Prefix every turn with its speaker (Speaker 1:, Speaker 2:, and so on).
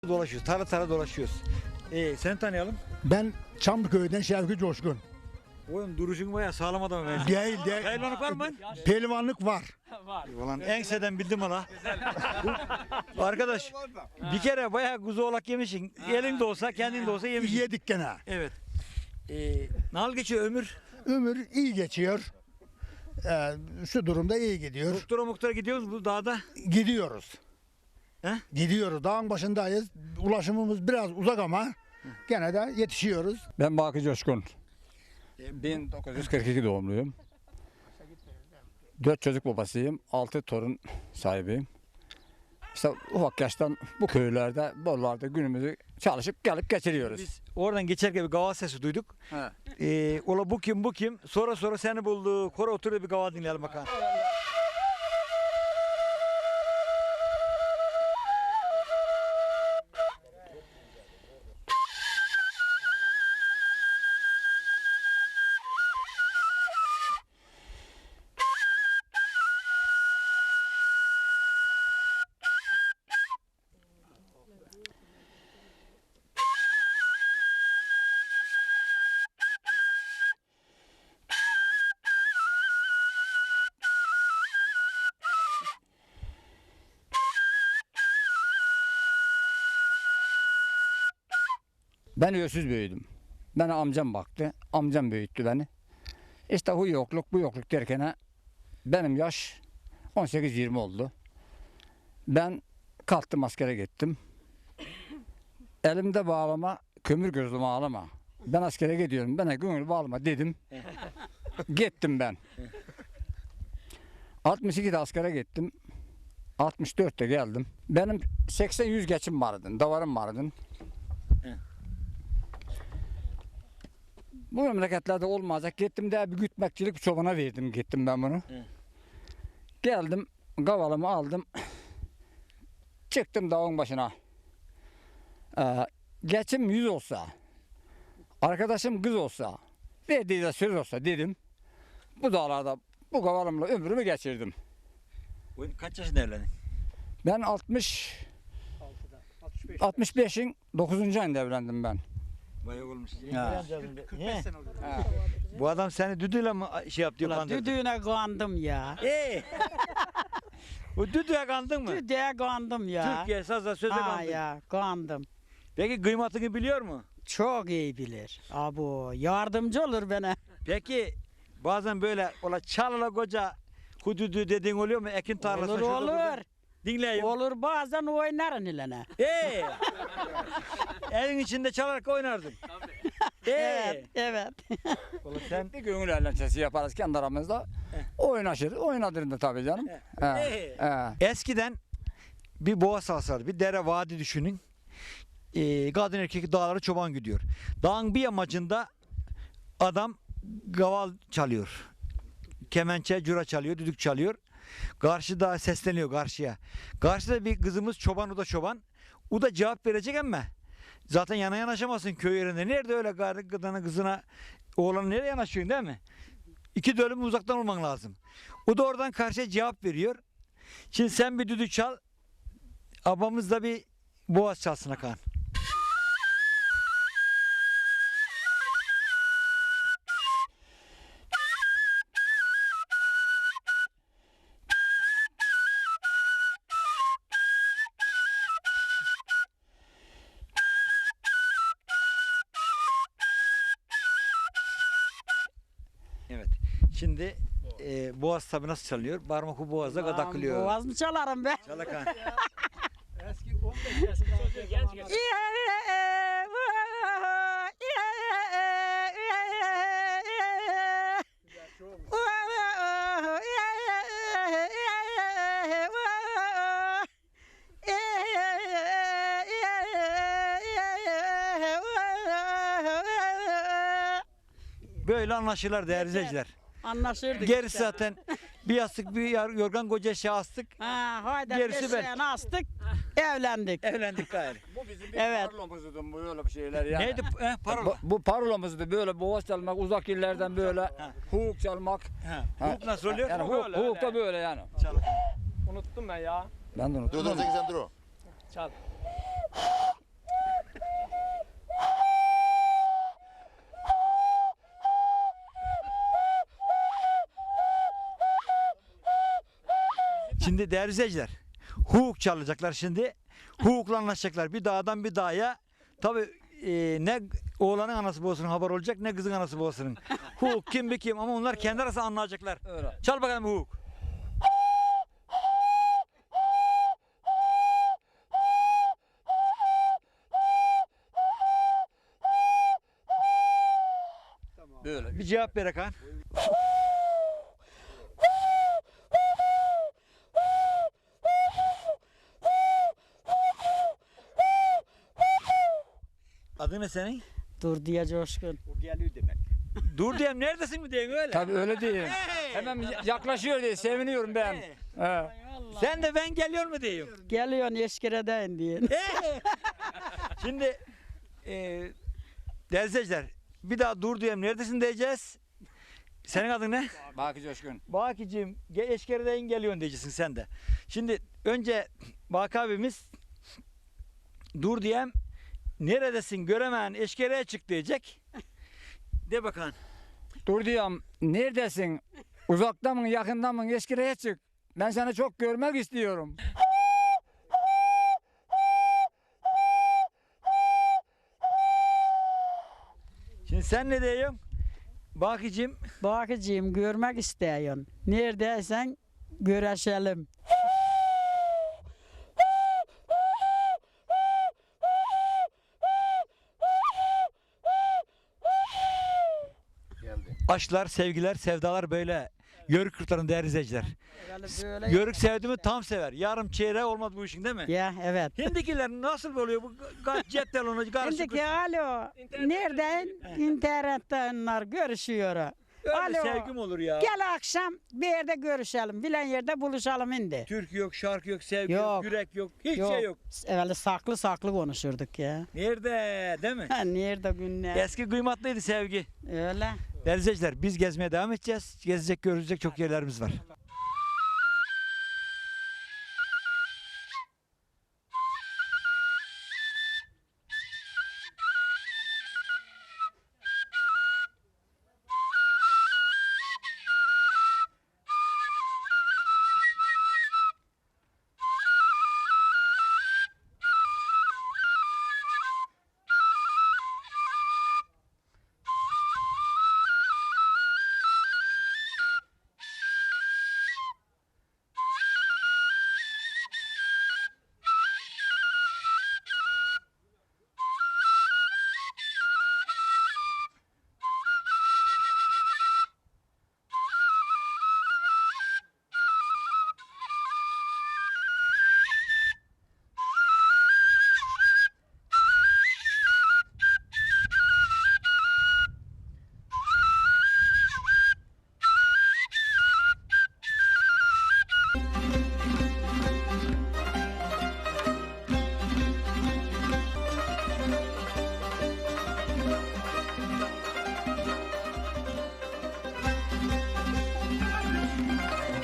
Speaker 1: dolaşıyoruz. Tara tara dolaşıyoruz. Seni tanıyalım.
Speaker 2: Ben Çamlıköy'den Şevki Coşkun.
Speaker 1: Oğlum duruşun bayağı sağlam adam ben.
Speaker 2: Değil.
Speaker 1: Pehlivanlık var mı?
Speaker 2: Pehlivanlık var.
Speaker 1: Ulan enseden bildim hala. Arkadaş bir kere bayağı kuzu oğlak yemişsin. Elin de olsa kendin de olsa yemişsin.
Speaker 2: Yedik gene.
Speaker 1: Evet. Nasıl geçiyor ömür?
Speaker 2: Ömür iyi geçiyor. Şu durumda iyi gidiyor.
Speaker 1: Doktora gidiyoruz bu dağda.
Speaker 2: Gidiyoruz.
Speaker 1: He?
Speaker 2: Gidiyoruz. Dağın başındayız. Ulaşımımız biraz uzak ama gene de yetişiyoruz.
Speaker 3: Ben Baki Coşkun. 1942 doğumluyum. 4 çocuk babasıyım. 6 torun sahibiyim. İşte ufak yaştan bu köylerde, bollarda günümüzü çalışıp gelip geçiriyoruz.
Speaker 1: Biz oradan geçerken bir gaval sesi duyduk. Ola bu kim? Sonra seni bulduk. Kora oturuyor bir gaval dinleyelim bakalım.
Speaker 3: Ben öksüz büyüdüm. Bana amcam baktı. Amcam büyüttü beni. İşte bu yokluk bu yokluk derken benim yaş 18-20 oldu. Ben kalktım askere gittim. Elimde bağlama, kömür gözlüğümü ağlama. Ben askere gidiyorum. Bana gönül bağlama dedim. Gittim ben. 62'de askere gittim. 64'te geldim. Benim 80-100 geçim vardı. Davarım vardı. Bu memleketlerde olmayacak. Gittim de bir gütmekçilik bir çobana verdim. Gittim ben bunu. Geldim. Kavalımı aldım. Çıktım dağın başına. Geçim 100 olsa, arkadaşım kız olsa, verdiği de söz olsa dedim. Bu dağlarda bu kavalımla ömrümü geçirdim.
Speaker 1: Kaç yaşında evlendin?
Speaker 3: Ben 65'in 9. ayında evlendim ben.
Speaker 1: Bayağı olmuş.
Speaker 3: Ha.
Speaker 4: 45 sene oldu.
Speaker 1: Bu adam seni düdüyle mi şey yaptı?
Speaker 5: Ulan düdüğüne kandım ya.
Speaker 1: O düdüğe kandın mı?
Speaker 5: Düdüğe kandım ya.
Speaker 1: Türkiye sazda söze
Speaker 5: Ha
Speaker 1: kandın.
Speaker 5: ya kandım.
Speaker 1: Peki kıymatını biliyor mu?
Speaker 5: Çok iyi bilir. Abo yardımcı olur bana.
Speaker 1: Peki bazen böyle ola çalala koca hudüdü dediğin oluyor mu? Ekin tarlasına
Speaker 5: Olur
Speaker 1: şurada
Speaker 5: olur.
Speaker 1: burada. Dinleyeyim.
Speaker 5: Olur bazen oynarın ilene.
Speaker 1: Evin içinde çalarak oynardın.
Speaker 5: Evet, evet.
Speaker 1: Ola sen
Speaker 3: Bir gönül eğlencesi yaparız kendi aramızda. Oynaşırız. Oynadırım da tabii canım.
Speaker 1: eskiden bir boğa salsardı. Bir dere vadi düşünün. Kadın erkek dağlara çoban gidiyor. Dağın bir yamacında adam gaval çalıyor. Kemençe, cura çalıyor, düdük çalıyor. Karşıda sesleniyor karşıya. Karşıda bir kızımız çoban, o da çoban. O da cevap verecek ama zaten yana yanaşamazsın köy yerinde. Nerede öyle kadına kızına oğlanı nereye yanaşıyorsun değil mi? 2 dönüm uzaktan olman lazım. O da oradan karşıya cevap veriyor. Şimdi sen bir düdük çal. Abamız da bir boğaz çalsın Hakan. Evet. Şimdi boğaz tabi nasıl çalıyor? Parmakı boğaza kadakılıyor.
Speaker 5: Boğaz mı çalarım be?
Speaker 1: Çal Hakan.
Speaker 4: Eski 15 yaşında çocuğu genç.
Speaker 1: Böyle anlaşırlar değerli izleyiciler.
Speaker 5: Anlaşırdık
Speaker 1: Gerisi
Speaker 5: işte.
Speaker 1: zaten bir yastık bir yorgan koca şey astık.
Speaker 5: Ha, haydi
Speaker 1: Gerisi
Speaker 5: beşiğini astık, evlendik.
Speaker 1: Evlendik gayrı.
Speaker 3: Bu bizim bir
Speaker 5: Evet.
Speaker 3: parolamızdı böyle bir şeyler yani.
Speaker 1: Neydi parola?
Speaker 3: Bu parolamızdı böyle boğaz çalmak, uzak illerden böyle hukuk çalmak.
Speaker 1: Hukuk nasıl oluyor?
Speaker 3: Yani hukuk da böyle yani.
Speaker 4: Unuttum ben ya.
Speaker 3: Ben de unuttum.
Speaker 6: Dur dur sen dur.
Speaker 4: Çal.
Speaker 1: Şimdi değerli izleyiciler, hukuk çalacaklar şimdi. Hukukla anlaşacaklar. Bir dağdan bir dağa. Tabii ne oğlanın anası babasının haber olacak ne kızın anası babasının. Hukuk kim bir kim ama onlar kendi arasında anlayacaklar.
Speaker 3: Öyle.
Speaker 1: Çal bakalım hukuk.
Speaker 3: Böyle.
Speaker 1: Bir cevap ver Hakan. Adın ne senin?
Speaker 5: Dur diye coşkun.
Speaker 4: O geliyor demek.
Speaker 1: Dur diyeyim neredesin mi diyeyim öyle.
Speaker 3: Tabii öyle değil. Hemen yaklaşıyor diye seviniyorum ben. He.
Speaker 1: Sen de ben geliyor mu diyeyim.
Speaker 5: Geliyorsun eşkireden diye.
Speaker 1: Şimdi değerli izleyiciler bir daha dur diyeyim neredesin diyeceğiz. Senin adın ne?
Speaker 3: Baki Coşkun.
Speaker 1: Bakicim eşkereden geliyorsun diyeceksin sen de. Şimdi önce Baki abimiz dur diyem neredesin göremeyen eşkereye çık diyecek. De bakalım.
Speaker 3: Dur diyorum. Neredesin? Uzakta mı yakında mı? Eskireye çık. Ben seni çok görmek istiyorum.
Speaker 1: Şimdi sen ne diyorsun? Bakicim
Speaker 5: Bakıcıyım görmek istiyorsun. Neredeysen görüşelim.
Speaker 1: aşklar, sevgiler, sevdalar böyle. Yörük kırkların değerli izleyiciler.
Speaker 5: Böyle
Speaker 1: Yörük sevdi mi tam sever. Yarım çeyreği olmaz bu işin değil mi?
Speaker 5: Ya evet.
Speaker 1: Hindikiler nasıl oluyor bu cep telefonu karışık.
Speaker 5: Şimdiki alo. Nereden? İnternetten onlar görüşüyor.
Speaker 1: Öyle
Speaker 5: Alo.
Speaker 1: sevgim olur ya.
Speaker 5: Gel akşam bir yerde görüşelim. Bilen yerde buluşalım şimdi.
Speaker 1: Türk yok, şarkı yok, sevgi yok,
Speaker 5: Yok.
Speaker 1: yürek yok, hiçbir şey yok.
Speaker 5: Evvel saklı saklı konuşurduk ya.
Speaker 1: Nerede değil mi?
Speaker 5: Ha, nerede günler?
Speaker 1: Eski kıymatlıydı sevgi.
Speaker 5: Öyle.
Speaker 1: Değerli izleyiciler biz gezmeye devam edeceğiz. Gezecek, görecek çok yerlerimiz var.